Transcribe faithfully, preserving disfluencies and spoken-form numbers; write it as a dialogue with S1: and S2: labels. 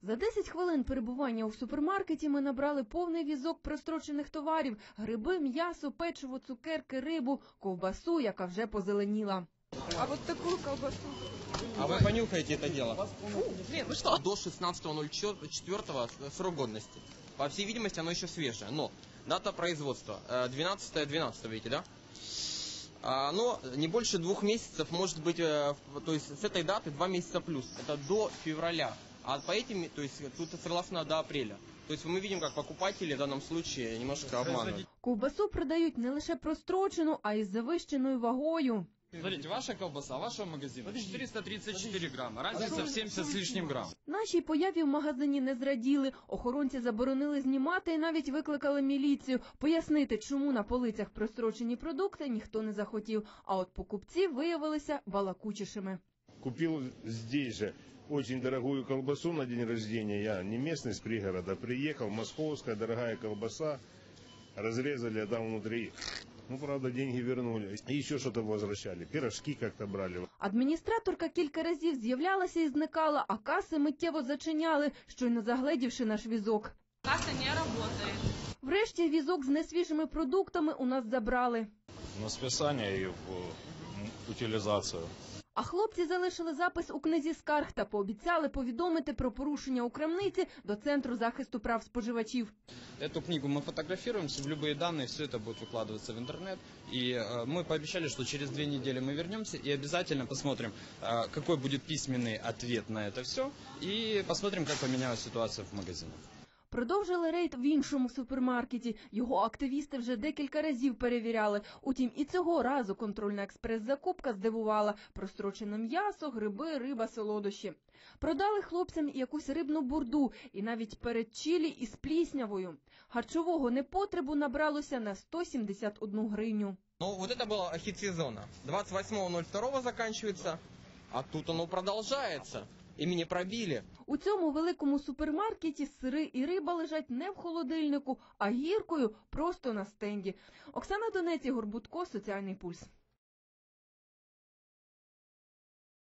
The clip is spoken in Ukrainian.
S1: За десять хвилин перебування у супермаркеті ми набрали повний візок прострочених товарів – гриби, м'ясо, печиво, цукерки, рибу, ковбасу, яка вже позеленіла.
S2: А вот такую колбасу.
S3: А вы понюхаете это дело?
S2: Фу, блин, вы что?
S3: До шестнадцатого ноль четвёртого срок годности. По всей видимости, оно еще свежее. Но дата производства двенадцатое двенадцатое, видите, да? Оно не больше двух месяцев, может быть, то есть с этой даты два месяца плюс. Это до февраля. А по этим, то есть тут согласно до апреля. То есть мы видим, как покупатели в данном случае немножко обманывают.
S1: Ковбасу продають не лише прострочену, а й з завищеною вагою.
S4: Смотрите, ваша колбаса, вашего магазина четыреста тридцать четыре грамма, разница в семьдесят с лишним грамм.
S1: Нашій появі в магазині не зраділи. Охоронці заборонили знімати і навіть викликали міліцію. Пояснити, чому на полицях прострочені продукти, ніхто не захотів. А от покупці виявилися балакучішими.
S5: Купил здесь же очень дорогую колбасу на день рождения. Я не местный, с пригорода. Приехал, московская дорогая колбаса. Разрезали, а там внутри... Ну, правда, деньги вернули. И еще что-то возвращали. Пирожки как-то брали.
S1: Адміністраторка кілька разів з'являлася і зникала, а каси миттєво зачиняли, щойно загледівши наш візок.
S2: Касса не работает.
S1: Врешті візок з несвіжими продуктами у нас забрали.
S6: На списання і в утилізацію.
S1: А хлопці залишили запис у книзі скарг та пообіцяли повідомити про порушення у крамниці до Центру захисту прав споживачів.
S4: Эту книгу мы фотографируем, в любые данные, все это будет выкладываться в интернет. И э, мы пообещали, что через две недели мы вернемся и обязательно посмотрим, э, какой будет письменный ответ на это все. И посмотрим, как поменялась ситуация в магазинах.
S1: Продовжили рейд в іншому супермаркеті. Його активісти вже декілька разів перевіряли. Утім, і цього разу контрольна експрес-закупка здивувала. Прострочене м'ясо, гриби, риба, солодощі. Продали хлопцям якусь рибну бурду і навіть передчілі із пліснявою. Харчового непотребу набралося на сто сімдесят одну гривню.
S3: Ну, вот это было хит сезона. двадцать восьмого ноль второго заканчивается, а тут оно продолжается. Імені пробили.
S1: У цьому великому супермаркеті сири і риба лежать не в холодильнику, а гіркою просто на стенді. Оксана Донець, Ігор Будко, Соціальний пульс.